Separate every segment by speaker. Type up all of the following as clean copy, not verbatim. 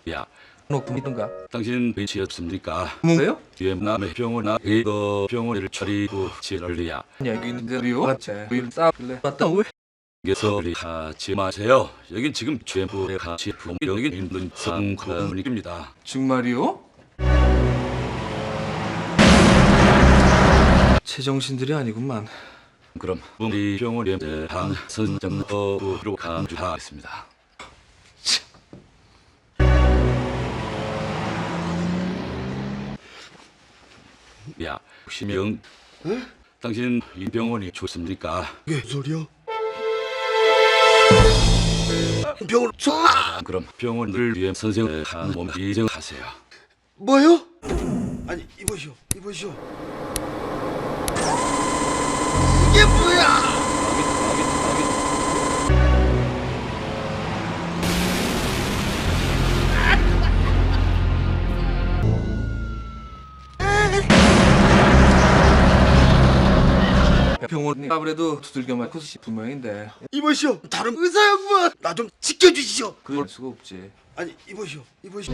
Speaker 1: 야,
Speaker 2: 놓고있던가
Speaker 1: 당신 벤치였습니까?
Speaker 2: 뭔가요?
Speaker 1: 뒤에 남의 병원아 이거 병원을 차리고 지랄이야.
Speaker 2: 여기 있는데요. 같이 싸울래. 맞다 왜?
Speaker 1: 소리 하지 마세요. 여긴 지금 최고의 가치 풍경이 있는 상권입니다.
Speaker 2: 정말이요? 제정신들이 아니구만.
Speaker 1: 그럼 우리 병원에 대한 선정법으로 간주하겠습니다. 야, 시명. 당신 이 병원이 좋습니까?
Speaker 3: 이게 무슨 소리야? 병원
Speaker 1: 그럼 병원을 위해 선생을 한 몸 이정하세요.
Speaker 3: 뭐요? 아니 이보시오. 이게 뭐야?
Speaker 2: 병원이 아무래도 두들겨 맞고 싶은 모양인데
Speaker 3: 이보시오. 다른 의사였구만. 나 좀 지켜주시오.
Speaker 2: 그럴 수가 없지.
Speaker 3: 아니 이보시오.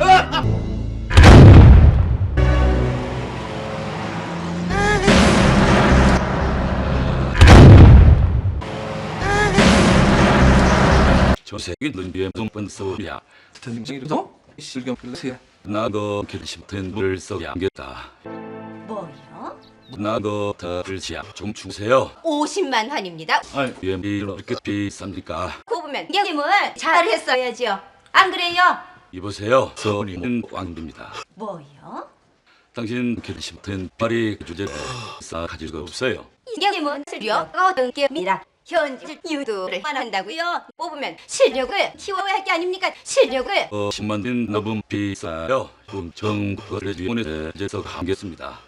Speaker 1: 조색이 눈비에 둥근 소리야.
Speaker 2: 등징이도 실경 플러스야.
Speaker 1: 나도 결심된 물을 써야겠다.
Speaker 4: 뭐요?
Speaker 1: 나도 더 글씨야 좀 주세요.
Speaker 4: 50만 환입니다.
Speaker 1: 아이, 왜 이렇게 비쌉니까?
Speaker 4: 꼽으면 게임을 잘했어야지요. 안 그래요?
Speaker 1: 이보세요. 선임은 왕입니다.
Speaker 4: 뭐요?
Speaker 1: 당신 결심된 말이 주제를 싸가지고 없어요.
Speaker 4: 게임은 실력 어떤 게임이라 현질 유도를 한다고요. 뽑으면 실력을 키워야 할 게 아닙니까? 실력을
Speaker 1: 10만 원 너무 비싸요. 정부를 위원회 제서 하겠습니다.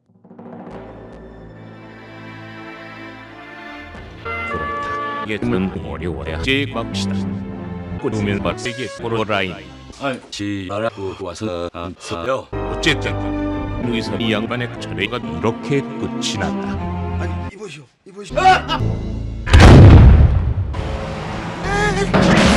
Speaker 5: 그렇다. 예는 어려워야 제각시다. 꾸누면 박세기 포로라인.
Speaker 1: 아이, 지랄하고 와서 안 써요.
Speaker 5: 어쨌든 의사 이 양반의 철회가 이렇게 끝이 났다.
Speaker 3: 아니 이보시오.